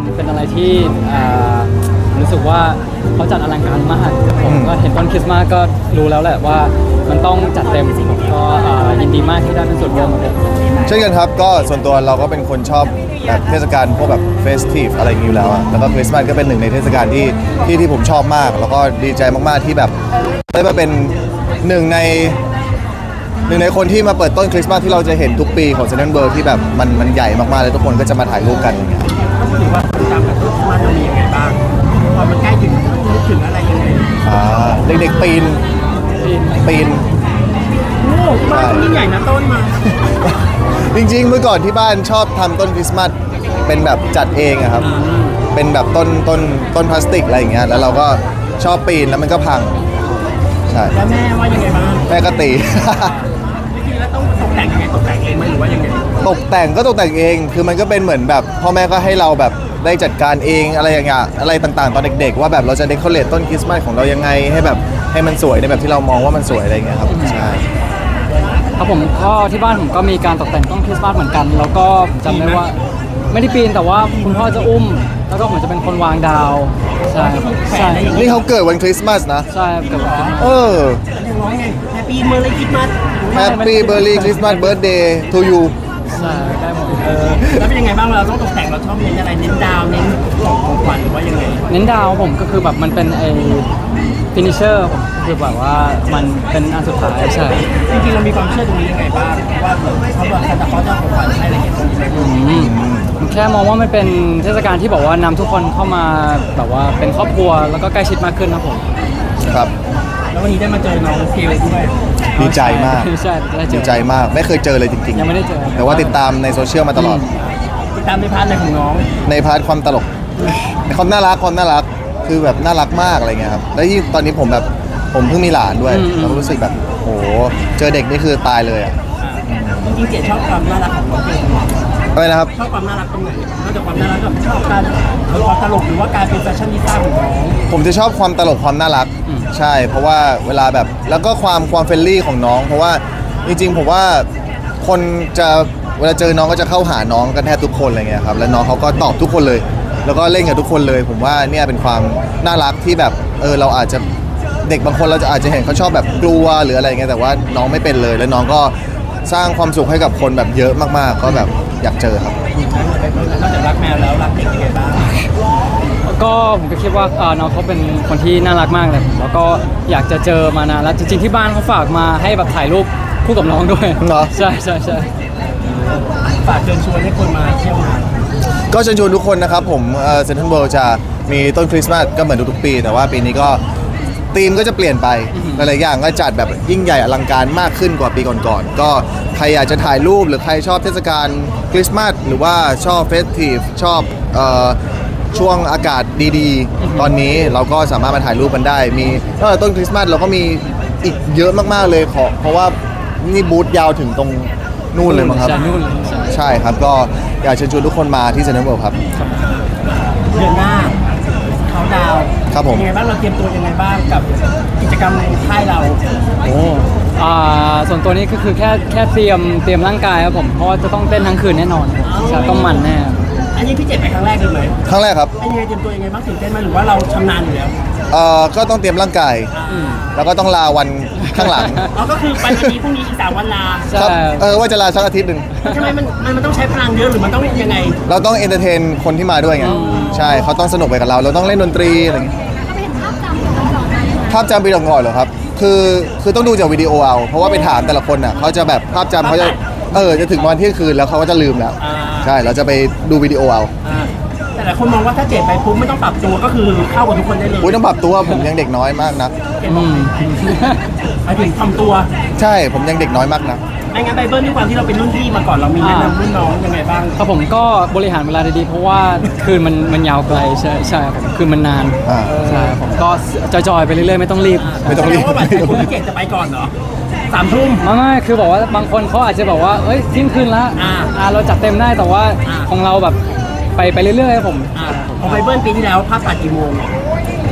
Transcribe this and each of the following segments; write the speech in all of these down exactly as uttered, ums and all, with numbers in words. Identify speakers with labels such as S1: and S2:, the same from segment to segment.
S1: เป็นอะไรที่รู้สึกว่าเขาจัดอลังการมากผมก็เห็นต้นคริสต์มาสก็รู้แล้วแหละว่ามันต้องจัดเต็มผมก็ยินดีมากที่ได้เป็นส่วนร่วมของผม
S2: เช่นกันครับก็ส่วนตัวเราก็เป็นคนชอบแบบเทศกาลพวกแบบเฟสทีฟอะไรอย่างนี้อยู่แล้วแล้วก็คริสต์มาสก็เป็นหนึ่งในเทศกาลที่ที่ที่ผมชอบมากแล้วก็ดีใจมากๆที่แบบได้มาเป็นหนึ่งในหนึ่งในคนที่มาเปิดต้นคริสต์มาสที่เราจะเห็นทุกปีของเซนต์เบิร์กที่แบบมันมันใหญ่มากๆเลยทุกคนก็จะมาถ่ายรูปกันอย่างเงี้ย
S3: ก็ถือว่าตามแบบต้นคริสต์มาสจะมียังไงบ้างพอมันใกล้ถึงนึกถึงอะไรยังไง
S2: อ่าเด็กๆปีนปีน
S3: โอ้บ้านยิ่งใหญ่นะต้นมา
S2: จริงๆเมื่อก่อนที่บ้านชอบทำต้นคริสต์มาสเป็นแบบจัดเองอะครับเป็นแบบต้นต้นต้นพลาสติกอะไรอย่างเงี้ยแล้วเราก็ชอบปีนแล้วมันก็พังใช่
S3: แล้วแม่ว่ายังไงบ้าง
S2: แม่ก็ตี
S3: วิธีแล้วต้องตกแต่งยังไงตกแต่งเองไหมหรือว่ายังไง
S2: ตกแต่งก็ตกแต่งเองคือมันก็เป็นเหมือนแบบพ่อแม่ก็ให้เราแบบได้จัดการเองอะไรอย่างเงี้ยอะไรต่างๆตอนเด็กๆว่าแบบเราจะเดคอเรทต้นคริสต์มาสของเรายังไงให้แบบให้มันสวยในแบบที่เรามองว่ามันสวยอะไรอย่างเงี้ยครับใช่
S1: ครับผมก็ที่บ้านผมก็มีการตกแต่งต้นคริสต์มาสเหมือนกันแล้วก็จำได้ว่าไม่ได้ปีนแต่ว่าคุณพ่อจะอุ้มแล้วก็ผมจะเป็นคนวางดาวใช่ใช่
S2: นี่เขาเกิดวันคริสต์มาสนะ
S1: ใช่เกิดวันคริสต์มาส
S2: เออ
S3: ยังร้องไงแฮปปี้เมอร์รี่คริสต์มาส
S2: แฮปปี้เบอร์รี่คริสต์มาสเบิร์ธเดย์ทูยู
S1: ใช่ได้หมด
S3: เออแล้วเป็นยังไงบ้างเราต้องตกแต่งเราชอบเน้นอะไรเน้นดาวเน้นของของขวัญหรือว่ายังไง
S1: เน้นดาวผมก็คือแบบมันเป็นไอ้ฟินิเชอร์ผมคือแบบว่ามันเป็นอันสุดท้ายใช่
S3: จริงๆเรามีความเชื่อตรงนี้ยังไงบ้างว่าเขาบอกซานตาคลอสจะของขวัญให้อะไรอย่างเงี้ย
S1: ผมแค่มองว่ามันเป็นเทศกาลที่บอกว่านำทุกคนเข้ามาแบบว่าเป็นครอบครัวแล้วก็ใกล้ชิดมากขึ้นนะผม
S2: ครับ
S3: แล้ววันนี้ได้มาเจอน้องเกลด้วย
S2: ดีใจมาก
S1: ใช่
S2: ดีใจมากไม่เคยเจอเลยจริงๆ
S1: ยังไม่ได้เจอ
S2: แต่ว่าติดตามในโซเชียลมาตลอด
S3: ติดตามในพาร์ทในของน้อง
S2: ในพาร์ทความตลกความน่ารักความน่ารักคือแบบน่ารักมากอะไรเงี้ยครับแล้วที่ตอนนี้ผมแบบผมเพิ่งมีหลานด้วยเรารู้สึกแบบโหเจอเด็กนี่คือตายเลยอ่ะ
S3: จริงๆเจ๊ชอบความน่ารักของน้องเกล
S2: อะไรนะครับ
S3: ชอบความน่ารักตรงไหนนอกจากความน่ารักกับชอบการความตลกหรือว่าการเป็นแฟชั่นนิสต้าของน้อง
S2: ผมจะชอบความตลกความน่ารักใช่เพราะว่าเวลาแบบแล้วก็ความความเฟรนลี่ของน้องเพราะว่าจริงๆผมว่าคนจะเวลาเจอน้องก็จะเข้าหาน้องกันแทบทุกคนอะไรเงี้ยครับแล้วน้องเขาก็ตอบทุกคนเลยแล้วก็เล่นกับทุกคนเลยผมว่าเนี่ยเป็นความน่ารักที่แบบเออเราอาจจะเด็กบางคนเราจะอาจจะเห็นเขาชอบแบบกลัวหรืออะไรเงี้ยแต่ว่าน้องไม่เป็นเลยแล้วน้องก็สร้างความสุขให้กับคนแบบเยอะมากๆก็แบบอยากเจอครับ
S3: นอกจากรักแมวแล้วรักเด็กยังไงบ้าง
S1: ก็ผมก็คิดว่าน้องเขาเป็นคนที่น่ารักมากเลยแล้วก็อยากจะเจอมานานแล้วจริงๆที่บ้านเขาฝากมาให้แบบถ่ายรูปคู่กับน้องด้วย
S2: เหรอ
S1: ใช่ใช่ใช่
S3: ฝากเชิญชวนให้คนมาเที่ยวงาน
S2: ก็เชิญชวนทุกคนนะครับผมเซ็นทรัลเวิลด์จะมีต้นคริสต์มาสก็เหมือนทุกๆปีแต่ว่าปีนี้ก็ธีมก็จะเปลี่ยนไปหลายๆอย่างก็จัดแบบยิ่งใหญ่อลังการมากขึ้นกว่าปีก่อนๆก็ใครอยากจะถ่ายรูปหรือใครชอบเทศกาลคริสต์มาสหรือว่าชอบเฟสทีฟชอบช่วงอากาศดีๆตอนนี้เราก็สามารถมาถ่ายรูปกันได้มีต้นคริสต์มาสเราก็มีอีกเยอะมากๆเลยเพราะว่านี่บูธยาวถึงตรงนู่นเลยมั้งครับใช่ครับก็อยากเชิญชวนทุกคนมาที่เซ็นทรัลเวิลด์ครับ
S3: เดือนหน้าเขาดาว
S2: ครับผม
S3: ยังไงบ้างเราเตรียมตัวยังไงบ้างกับกิจกรรมในค่ายเรา
S1: โอ้อ่าส่วนตัวนี้ก็คือแค่แค่เตรียมเตรียมร่างกายครับผมเพราะว่าจะต้องเต้นทั้งคืนแน่นอนใช่ต้องมันแน่
S3: อันนี้พี่เจ็ดไปครั้งแรกเลยไหม
S2: ครั้งแรกครับ
S3: เป็นยังไงเตรียมตัวยังไงบ้างตื่นเต้นไหมหรือว่าเราชำนาญอยู่แล้ว
S2: เอ่อก็ต้องเตรียมร่างกายแล้วก็ต้องลาวันข้างหลัง
S3: อ๋อก็คือไปวันนี้พรุ่งนี้อีกสามวันลา
S2: ครับเออว่าจะลาสักอาทิตย์หนึ่ง
S3: ทำไมมันมันต้องใช้พลังเยอะหรือมันต้องยังไง
S2: เราต้องเอนเตอร์เทนคนที่มาด้วยไงใช่เขาต้องสนุกไปกับเราเราต้องเล่นดนตรีอะไรอย่างเงี้ยภาพจำปีก่อนๆเหรอครับคือคือต้องดูจากวิดีโอเอาเพราะว่าไปถามแต่ละคนอ่ะเขาจะแบบภาพจำเขาจะเออจะถึงวันเที่ยงคืนแล้วเขาก็จะลืมแล้วใช่เราจะไปดูวิดีโอเอา
S3: แต่หลายคนมองว่าถ้าเจ็บไปปุ๊บไม่ต้องปรับตัวก็คือเข้ากับทุกคนได้เลย
S2: อุ้ยต้องปรับตัวผมยังเด็กน้อยมากนะ
S3: หมายถึงทำตัว
S2: ใช่ผมยังเด็กน้อยมากนะ
S3: ไม่งั้นไบเบิลด้วยความที่เราเป็นรุ่นพี่มาก่อนเรามีแนะนำรุ่นน้องยังไงบ้าง
S1: ครับผมก็บริหารเวลาดีๆเพราะว่าคืนมันมันยาวไกลใช่ใช่ผมคืนมันนานใช่ผมก็จอยๆไปเรื่อยๆไม่ต้องรีบ
S2: ไม่ต้องรีบ
S3: ว่าบัตรคุณพี่เกศจะไปก่อนเหรอสามทุ่ม
S1: ไม่ไม่คือบอกว่าบางคนเขาอาจจะบอกว่าเอ้ยเที่ยงคืนละอ่าเราจัดเต็มได้แต่ว่าของเราแบบไปไปเรื่อยๆผม
S3: ของไบเบิลปีที่แล้วภาพตัดกี่โมง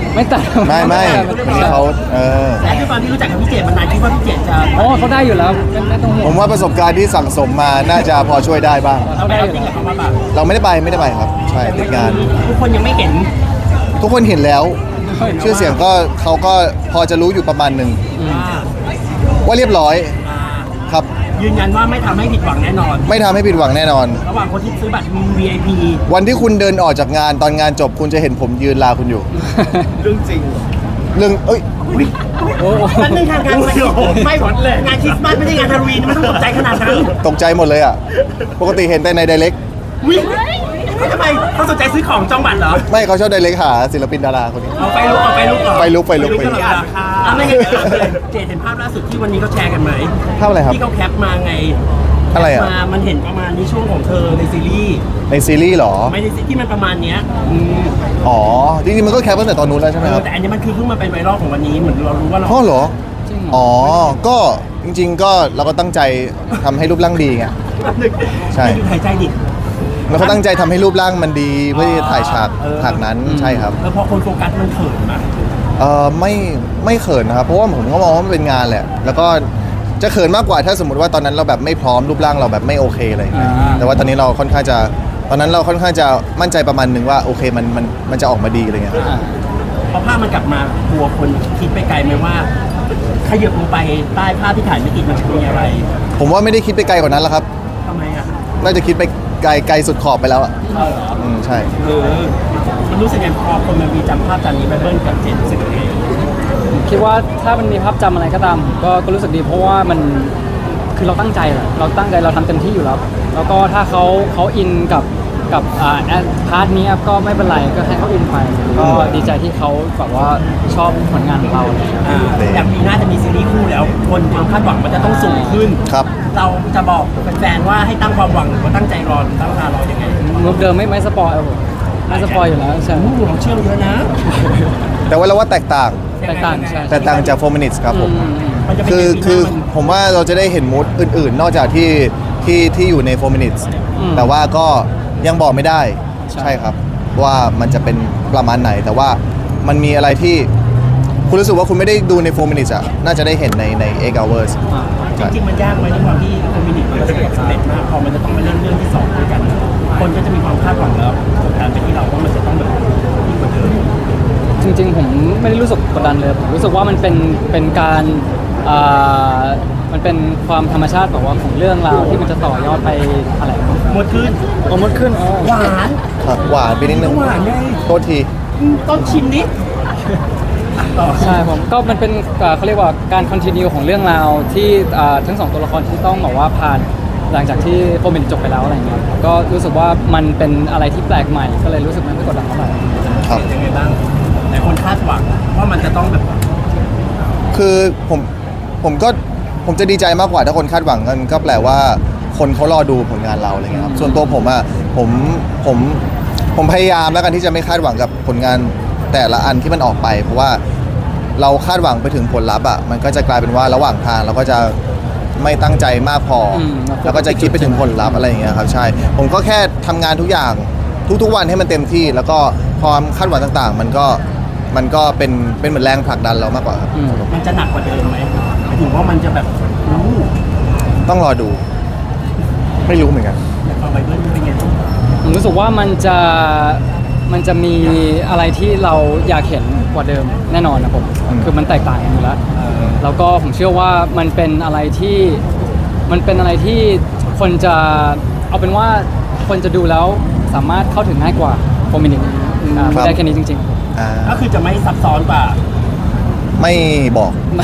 S1: ไม่ตัด
S2: ไม่ไม่วันนี้เขาเออ
S3: และด้วยความที่รู้จักกับพี่เจดมานานคิดว่าพี่เจดจะ
S1: โอ้เขาได้อยู่แล้วไม่ไม่ต้องห่ว
S2: ผ
S1: ง
S2: มว่าประสบการณ์ที่สั่งสมมาน่าจะพอช่วยได้บ้าง
S3: เราได้จริงกับเขามาแบบ
S2: เราไม่ได้ไปไม่ได้ไปครับ ใช่ติดงาน
S3: ทุกคนยังไม่เห็น
S2: ทุกคนเห็นแล้ว ชื่อเสียงก็เขาก็พอจะรู้อยู่ประมาณหนึ่ง
S3: ว่า
S2: ว่าเรียบร้อย
S3: อ่า
S2: ครับ
S3: ยืนยันว่าไม่ทำให้ผิดหวังแน่นอน
S2: ไม่ทำให้ผิดหวังแน่นอน
S3: ระหว่างคนที่ซื้อบัตร วี ไอ พี
S2: วันที่คุณเดินออกจากงานตอนงานจบคุณจะเห็นผมยืนลาคุณอยู่
S3: เรื่องจริง
S2: เรื่องเอ้ย
S1: โอ้โห
S3: มันเป็นทางการไม่ไม่หมดเลยงานคริสต์มาสไม่ใช่งานฮาโลวีนไม่ต้องตกใจขนาดนั้น
S2: ตกใจหมดเลยอ่ะ ปกติเห็นแต่ในไดเ e ก
S3: วิ่งทำไมเขาสนใจซื้อของจองบัตรเหรอ
S2: ไม่เขาชอบไดเ e กหาศิลปินดาราคนนี้
S3: เอาไปลุกเอาไปลุกก่อน
S2: ไปลุกไปลุกไปลุก
S3: ตลอดราคาอ่ะไม่งั้นเดี๋ยวเราเลยเจดเห็นภาพล่าสุดที่วันนี้เขาแชร์กันไหม
S2: ภาพอะไรครับ
S3: ที่เขาแคปมาไง
S2: อะไรอ่ะ
S3: แคปมามันเห็นประมาณนี้ช่วงของเธอในซีรีส์
S2: ในซีรีส์เหรอ
S3: ไม่ในซีรีส์ที่มันประมาณเนี้ย
S2: อ๋อ จริงๆมันก็แคปตั้งแต่ตอนนู้นแล้วใช่ไหม
S3: เอ
S2: ค
S3: อ
S2: รับ
S3: แต่อันนี้มันคือเพิ่งมาเป็นไวรัลของวันนี้เหมือนเรารู้ว่าเรา
S2: พ่อเหรอ
S1: จริงเหรอ
S2: อ๋อ ก็จริงๆ ก็เราก็ตั้งใจทำให้รูปร่างดีไง ใช่
S3: ไม่อยู่หายใจดิ
S2: เราก็ตั้งใจทำให้รูปร่างมันดีเพื่อที่จะถ่ายฉาก
S3: เออ
S2: ฉากนั้นใช่ครับ
S3: แล้วพอคนโฟกัสมันเขินนะ
S2: เออไม่ไม่เขินนะครับ เพราะว่าผมก็มองว่ามันเป็นงานแหละ แล้วก็จะเขินมากกว่าถ้าสมมติว่าตอนนั้นเราแบบไม่พร้อมรูปร่างเราแบบไม่โอเคอะไรอย่างเงี้ย
S1: อ่า
S2: แต่ว่าตอนนี้เราค่อนข้างจะตอนนั้นเราค่อนข้างจะมั่นใจประมาณหนึ่งว่าโอเคมันมันมันจะออกมาดีอะไรเงี้ย
S1: อ่า
S3: พอภาพมันกลับมากลัวคนคิดไปไกลไหมว่าขยับลงไปใต้ภาพที่ถ่ายไม่ติดมันจะมีอะไร
S2: ผมว่าไม่ได้คิดไปไกลกว่านั้นแล้วครับ
S3: ทำไมอ่ะ
S2: น่าจะคิดไปไกลไกลสุดขอบไปแล้วอ่ะ
S3: เออเหรอ
S2: อืมใช่
S3: เออมันรู้สึกไงพอคนมันมีจำภาพจำนี้ไปเบิ้ลกับเจนรู้สึกยังไง
S1: ผมคิดว่าถ้ามันมีภาพจำอะไรก็ตามผมก็ก็รู้สึกดีเพราะว่ามันคือเราตั้งใจแหละเราตั้งใจเราทำเต็มที่อยู่แล้ว แล้วก็ถ้าเขาเขาอินกับกับอ่าแอดพาร์ทนี้ก็ไม่เป็นไรก็ให้เขาอินไปก็ดีใจที่เขาแบบว่าชอบผลงานของเราอะไรอย่างเงี้ย
S3: อ่าอย่างปีหน้าจะมีซีรีส์คู่แล้ว คนความคาดหวังมันจะต้องสูงขึ้น
S2: ครับ
S3: เราจะบอกแฟนๆว่าให้ตั้งความหวังหรือว่าตั้งใจรอหรือตั้งตารอยังไง
S1: มุกเดิมไม่ไม่สปอยล์ผมไม่สปอยล์อยู่แล้วใช่
S3: โอ้โหเราเชื่อเยอะนะ
S2: แต่ว่าเราว่าแตกต่าง
S1: แตกต่างใช่
S2: แตกต่างจากโฟมินิสครับผม
S1: อืม
S3: มันจะเป็น
S2: คือ
S3: ยังไง
S2: คือ
S3: ปีหน้ามัน
S2: ผมว่าเราจะได้เห็นมูดอื่นๆ นอกจากที่ที่ที่อยู่ในโฟมินิส
S1: อืม
S2: แต่ว่าก็ยังบอกไม่ได้
S1: ใช่
S2: ใช่ครับ ว่ามันจะเป็นประมาณไหน แต่ว่ามันมีอะไรที่คุณรู้สึกว่าคุณไม่ได้ดูในโฟมินิสอ่ะน่าจะได้เห็นในในเอ็กซ์เวอร์ส
S1: อ่า
S3: จริงๆมันยากไหมในความที่คอมมินิตมันประสบความสำเร็จมากพอมันจะต้องมาเล่นเรื่องที่สองด้วยกัน คนก็จะมีความคาดหวังแล้วกดดันไปที่เราว่ามันจะต้องแบบยิ่งกว่าเดิม
S1: จริงๆผมไม่ได้รู้สึกกดดันเลยผมรู้สึกว่ามันเป็นเป็นการอ่ามันเป็นความธรรมชาติแบบว่าของเรื่องราวที่มันจะต่อยอดไปอะไร
S3: หมดขึ้น
S1: โอ้มดขึ้นอ๋อ
S3: หวาน
S2: ครับหวานไปนิดนึง
S3: หวานไง
S2: โทษที
S3: อืมต้นชิมนิดอ่ะต่อ
S1: ใช่ผมก็มันเป็นอ่าเขาเรียกว่าการคอนติเนียของเรื่องราวที่อ่าทั้งสองตัวละครที่ต้องบอกว่าผ่านหลังจากที่โฟมินจบไปแล้วอะไรเงี้ยก็รู้สึกว่ามันเป็นอะไรที่แปลกใหม่ก็เลยรู้สึกมันไม่กดดันเท่าไหร่
S2: ครับ
S3: ยังไงบ้างหลายคนคาดหวังว่ามันจะต้องแบบ
S2: คือผมผมก็ผมจะดีใจมากกว่าถ้าคนคาดหวังกันก็แปลว่าคนเขารอดูผลงานเราอะไรเงี้ยครับส่วนตัวผมอ่ะผมผมผมพยายามแล้วกันที่จะไม่คาดหวังกับผลงานแต่ละอันที่มันออกไป เพราะว่าเราคาดหวังไปถึงผลลัพธ์อ่ะมันก็จะกลายเป็นว่าระหว่างทางเราก็จะไม่ตั้งใจมากพออ
S1: ม
S2: แล้วก็จะคิดไปถึงผลลัพธ์อะไรอย่างเงี้ยครับใช่ ผมก็แค่ทำงานทุกอย่างทุกๆวันให้มันเต็มที่ แล้วก็ความคาดหวังต่างๆ มันก็มันก็เป็นเป็นเหมือนแรงผลักดันเรามากกว่าครับ
S1: อืม
S3: มันจะหนักกว่าเดิมไหมหมายถึงว่ามันจะแบบอู้
S2: ต้องรอดู ไม่รู้เหมือนกัน
S3: อยากเอาไปเบิ้ลเป็นไง
S1: ผมรู้สึกว่ามันจะมันจะมีอะไรที่เราอยากเห็นกว่าเดิมแน่นอนนะผม
S2: อืม
S1: คือมันแตกต่างกันอยู่แล้วแล้วก็ผมเชื่อว่ามันเป็นอะไรที่มันเป็นอะไรที่คนจะเอาเป็นว่าคนจะดูแล้วสามารถเข้าถึงง่ายกว่าโฟมินิกไม่ได้แค่นี้จริง
S2: อ่า
S3: ก็คือจะไม่ซับซ้อนกว่า
S2: ไม่บอก
S1: ๆไม่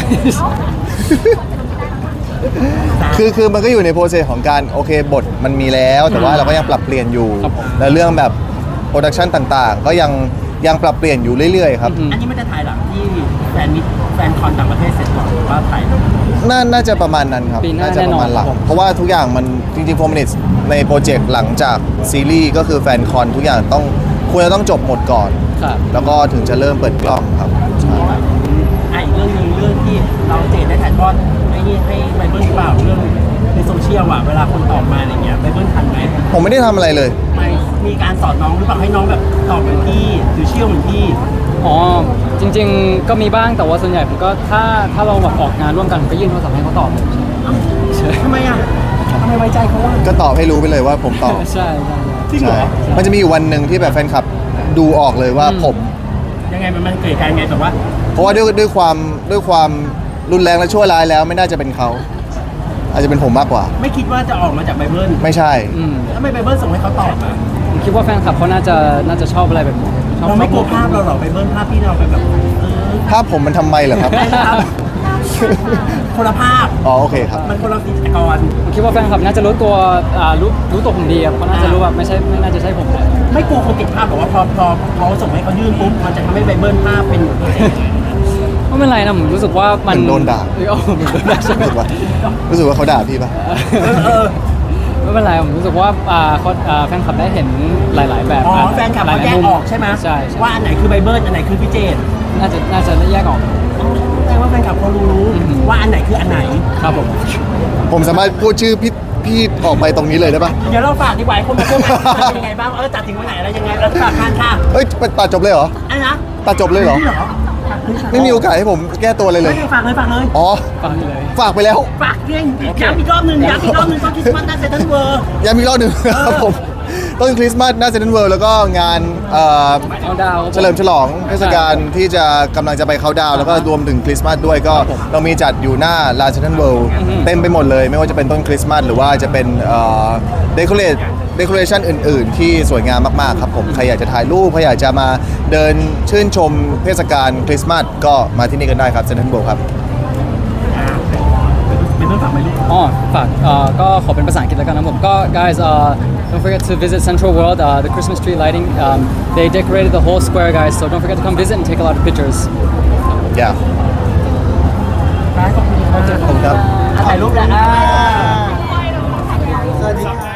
S2: คือคือมันก็อยู่ในโปรเซสของการโอเคบทมันมีแล้ว แต่ว่าเราก็ยังปรับเปลี่ยนอยู่
S1: ครับผม
S2: และเรื่องแบบโปรดักชันต่างๆ ก็ยังยังปรับเปลี่ยนอยู่เรื่อยๆครับ
S1: อืม
S3: อันนี้มันจะถ่ายหลังที่แฟนมิตแฟนคอนต่างประเทศเสร็จก่อนหรือว่าถ่าย
S2: น่าน่าจะประมาณนั้นครับ
S1: ปีหน้า
S2: จะประมาณหลัง
S1: แน่นอนครับผม
S2: เพราะว่าทุกอย่างมันจริงๆโฟมินิสในโปรเจกต์หลังจากซีรีส์ก็คือแฟนคอนทุกอย่างต้องควรจะต้องจบหมดก่อน
S1: ครับ
S2: แล้วก็ถึงจะเริ่มเปิดกล้องครับใช่
S3: อ่ะอีกเรื่องหนึงเรื่องที่เราเจนได้ถ่ายทอดไอ้นี่ให้ไบเบิลหรือเปล่าเรื่องในโซเชียลอ่ะเวลาคนตอบมาอะไรเงี้ยไบเบิลทันไหม
S2: ผมไม่ได้ทำอะไรเลย
S3: ไม่มีการสอนน้องหรือเปล่าให้น้องแบบตอบเหมือนพี่หรือเชื่อเหมือนพี่
S1: ออ๋อจริง ๆ ก็มีบ้างแต่ว่าส่วนใหญ่ผมก็ถ้าถ้าเราแบบออกงานร่วมกันผมก็ยื่นโทรศัพท์ให้เขาตอบเลยใช่
S3: ทำไมอ่ะทำไมไว้ใจเขาว่า
S2: ก็ตอบให้รู้ไปเลยว่าผมตอบ
S1: ใช่ใช่
S3: จริงเหรอ
S2: มันจะมีอยู่วันหนึ่งที่แบบแฟนคลับดูออกเลยว่าผม
S3: ยังไงมันมันเกิดการไงแบบว่า
S2: เพราะว่าด้วยด้วยความด้วยความรุนแรงและชั่วร้ายแล้วไม่น่าจะเป็นเขา อาจจะเป็นผมมากกว่า
S3: ไม่คิดว่าจะออกมาจากไบเบิล
S2: ไม่ใช่
S1: อืม
S3: ทำไมไบเบิลส่งให้เขาตอบอ่ะ
S1: ผมคิดว่าแฟนคลับเขาน่าจะน่าจะชอบอะไรแบบนี้ชอบ
S3: เราไม่กลัวภาพเราหรอไบเบิลภาพที่เราไปแบบเออ
S2: ภาพผมมันทำไมเหรอครับ
S3: ไม่ครับ คนละภาพ
S2: อ๋อโอเคครับ
S3: มันคนละกิจกร
S1: ผมคิดว่าแฟนคลับน่าจะรู้ตัวอ่ารู้รู้ตัวผมดีครับเขาน่าจะรู้แบบไม่ใช่ไม่น่าจะใช่ผมแหละ
S3: ไม่กลัวคนติดภาพหรอกว่าพอพอพอส่งให้เขายื่นปุ๊บมันจะทำให้ไบเบิลภาพเป็น
S1: ไม่เป็นไรนะผมรู้สึกว่ามัน
S2: เหมือนโดนด่า
S1: เออเหมือนโดนด่าใช่ไหม
S2: รู้สึกว่ารู้สึกว่าเขาด่าพี่ปะ
S3: เออ
S1: ไม่เป็นไรผมรู้สึกว่าอ่าเขาอ่าแฟนคลับได้เห็นหลาย ๆ แบบ
S3: อ๋อแฟนคลับเขาแยกออกใช่ไหม
S1: ใช่ใช่
S3: ว่าอันไหนคือไบเบิลอันไหนคือพี่เจน
S1: น่าจะน่าจะแยกออก
S3: แปลว่าแฟนคลับเขารู้ว่าอันไหนคืออันไหน
S1: ครับผม
S2: ผมสามารถพูดชื่อพี่พี่ออกไปตรงนี้เลยได้ปะ
S3: เดี๋ยวเราฝากดีกว่าให้คนมาเชื่อมันเป็นยังไงบ้างเออจัดถึงวันไหนอะไรยังไงเราฝากทานค่ะ
S2: เฮ้ยตัดจบเลยเหรอ
S3: อันนะ
S2: ตัดจบเลยเหรอ
S3: นี่เหรอ
S2: ไม่มีโอกาสให้ผมแก้ตัวเลยเลย
S3: ไม่ได้ฝากเลยฝากเลย
S2: อ๋อ
S1: ฟังเลย
S2: ฝากไปแล้ว
S3: ฝากเรื่องย้ำอีกรอบหนึ่งย้ำอีกรอบหนึ่งตอนคริสต์มาสหน้าเซ็นทรัลเวิลด์
S2: ย้ำอีกรอบหนึ่งครับผมต้นคริสต์มาสหน้าเซ็นทรัลเวิลด์แล้วก็งานเอ่อ
S1: เอาดาว
S2: เฉลิมฉลองเทศกาลที่จะกำลังจะไปเขาน์ดาวน์แล้วก็รวมถึงคริสต์มาสด้วยก็เรามีจัดอยู่หน้าลานเซ็นทรัลเวิลด์เต็มไปหมดเลย ไม่ว่าจะเป็นต้นคริสต์มาสหรือว่าจะเป็นเดคอเรทเดคอเรชันอื่น ๆ ที่สวยงามมาก ๆ ครับผม ใครอยากจะถ่ายรูปใครอยากจะมาเดินชื่นชมเทศกาลคริสต์มาสก็มาที่นี่กันได้ครับเซ็นทรัลเวิลด์ครับ
S3: เป็นเรื่องฝากไหมลูก
S1: อ๋อฝากเอ่อก็ขอเป็นภาษาอังกฤษแล้วกันนะผมก็ guys uh, don't forget to visit Central World uh, the Christmas tree lighting um, they decorated the whole square guys so don't forget to come visit and take a lot of pictures
S2: yeah
S3: ขอบคุณครับ
S2: ขอบคุณครับ
S3: ถ่ายรูปแล้วอ่า
S2: สวัสดีครับ